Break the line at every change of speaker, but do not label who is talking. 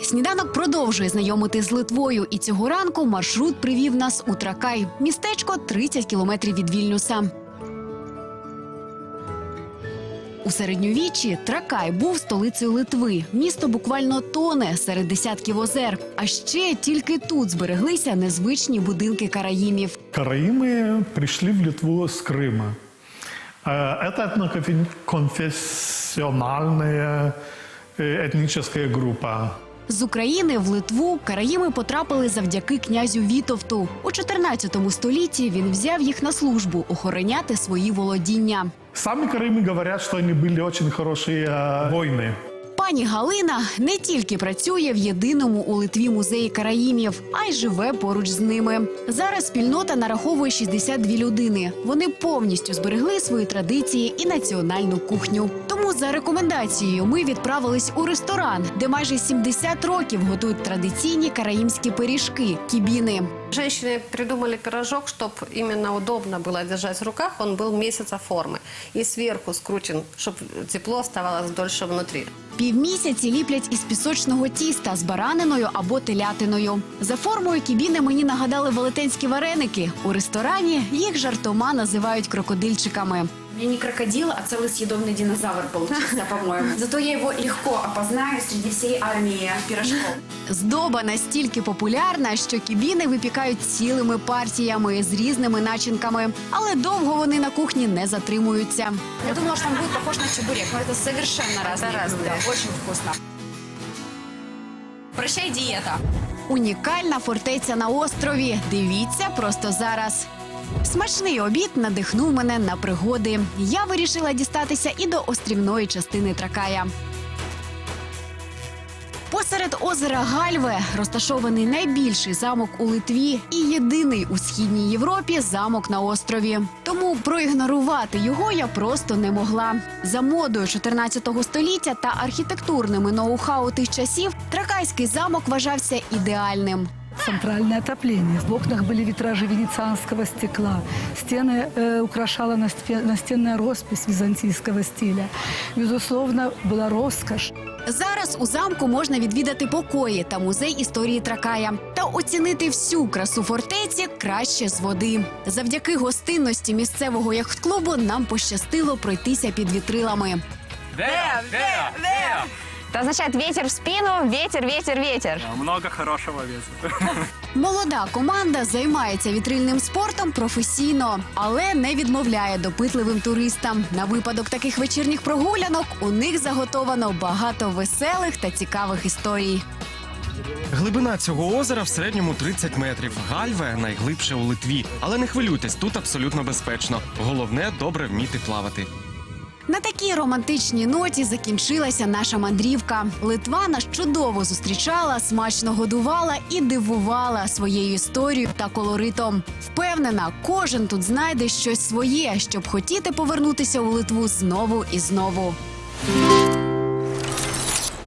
Сніданок продовжує знайомити з Литвою, і цього ранку маршрут привів нас у Тракай. Містечко 30 кілометрів від Вільнюса. У середньовіччі Тракай був столицею Литви. Місто буквально тоне серед десятків озер. А ще тільки тут збереглися незвичні будинки караїмів.
Караимы пришли в Литву с Крыма. Это этноконфессиональная этническая группа.
З України в Литву караїми потрапили завдяки князю Вітовту. У 14 столітті він взяв їх на службу охороняти свої володіння.
Сами караимы говорят, что они были очень хорошие воины.
Пані Галина не тільки працює в єдиному у Литві музеї караїмів, а й живе поруч з ними. Зараз спільнота нараховує 62 людини. Вони повністю зберегли свої традиції і національну кухню. Тому за рекомендацією ми відправились у ресторан, де майже 70 років готують традиційні караїмські пиріжки – кібіни.
Женщины придумали пирожок, чтобы именно удобно было держать в руках. Он был месяца формы. И сверху скручен, чтобы тепло оставалось дольше внутри.
Півмісяці ліплять із пісочного тіста з бараниною або телятиною. За формою кібіни мені нагадали велетенські вареники. У ресторані їх жартома називають крокодильчиками.
У меня не крокодил, а целый съедобный динозавр получился, по-моему. Зато я его легко опознаю среди всей армии пирожков.
Здоба настільки популярна, що кібіни випікають цілими партіями з різними начинками. Але довго вони на кухні не затримуються.
Я думала, что он будет похож на чебурек, но это совершенно разные блюда. Очень вкусно. Прощай, диета.
Унікальна фортеця на острові. Дивіться просто зараз. Смачний обід надихнув мене на пригоди. Я вирішила дістатися і до острівної частини Тракая. Посеред озера Гальве розташований найбільший замок у Литві і єдиний у Східній Європі замок на острові. Тому проігнорувати його я просто не могла. За модою 14 століття та архітектурними ноу-хау тих часів Тракайський замок вважався ідеальним.
Центральное отопление. В окнах были витражи венецианского стекла. Стены украшала настенная роспись византийского стиля. Безусловно, была роскошь.
Зараз у замку можна відвідати покої та музей історії Тракая. Та оцінити всю красу фортеці краще з води. Завдяки гостинності місцевого яхт-клубу нам пощастило пройтися під вітрилами.
Это означает ветер в спину, ветер, ветер, ветер.
Много хорошего ветра.
Молода команда займається вітрильним спортом професійно, але не відмовляє допитливим туристам. На випадок таких вечірніх прогулянок у них заготовано багато веселих та цікавих історій.
Глибина цього озера в середньому 30 метрів. Гальве – найглибше у Литві. Але не хвилюйтесь, тут абсолютно безпечно. Головне – добре вміти плавати.
На такій романтичній ноті закінчилася наша мандрівка. Литва нас чудово зустрічала, смачно годувала і дивувала своєю історією та колоритом. Впевнена, кожен тут знайде щось своє, щоб хотіти повернутися у Литву знову і знову.